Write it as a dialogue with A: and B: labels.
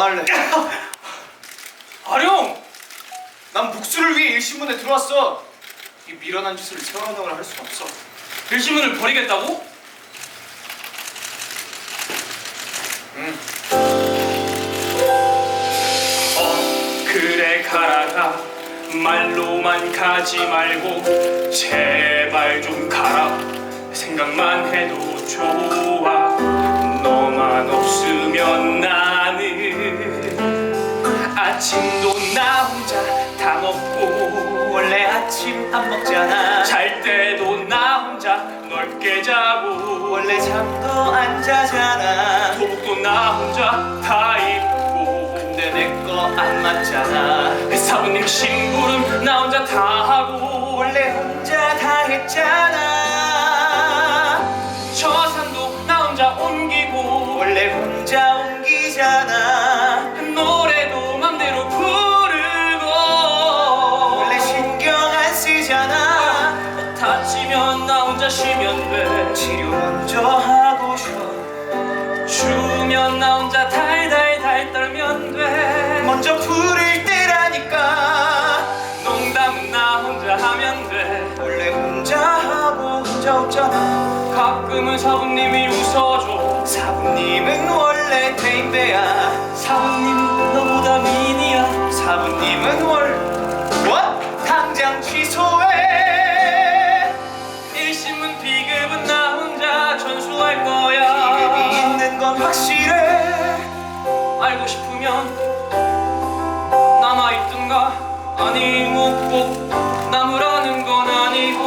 A: 할래.
B: 아령!
A: 난 복수를 위해 일신문에 들어왔어. 이 미련한 짓을 세워나가을 할 수가 없어.
B: 일신문을 버리겠다고?
A: 응.
B: 그래 가라가 말로만 가지 말고 제발 좀 가라. 생각만 해도 좋아. 너만 없으면 나는 아침도 나 혼자 다 먹고
A: 원래 아침 안 먹잖아.
B: 잘 때도 나 혼자 넓게 자고
A: 원래 잠도 안 자잖아.
B: 도복도 나 혼자 다 입고
A: 근데 내 거 안 맞잖아.
B: 사부님 심부름 나 혼자 다 하고
A: 원래 혼자 다 했잖아.
B: 저 산도 나 혼자 옮기고
A: 원래 혼자 옮기잖아.
B: 노래도 맘대로 부르고
A: 원래 신경 안 쓰잖아.
B: 다치면 나 혼자 쉬면 돼.
A: 치료 먼저 하고 쉬어.
B: 추우면 나 혼자 달달달 떨면 돼.
A: 먼저 부를 때라니까.
B: 농담은 나 혼자 하면 돼.
A: 원래 혼자 하고 혼자 웃잖아.
B: 가끔은 사부님이 웃어줘.
A: 사부님은 원래 대인배야.
B: 사부님 너보다 미니야.
A: 사부님은 뭐? 당장 취소해.
B: 일신문 비급은 나 혼자 전수할 거야.
A: 비급이 있는 건 확실해.
B: 알고 싶으면 남아있든가. 아니 뭐 꼭 남으라는 건 아니고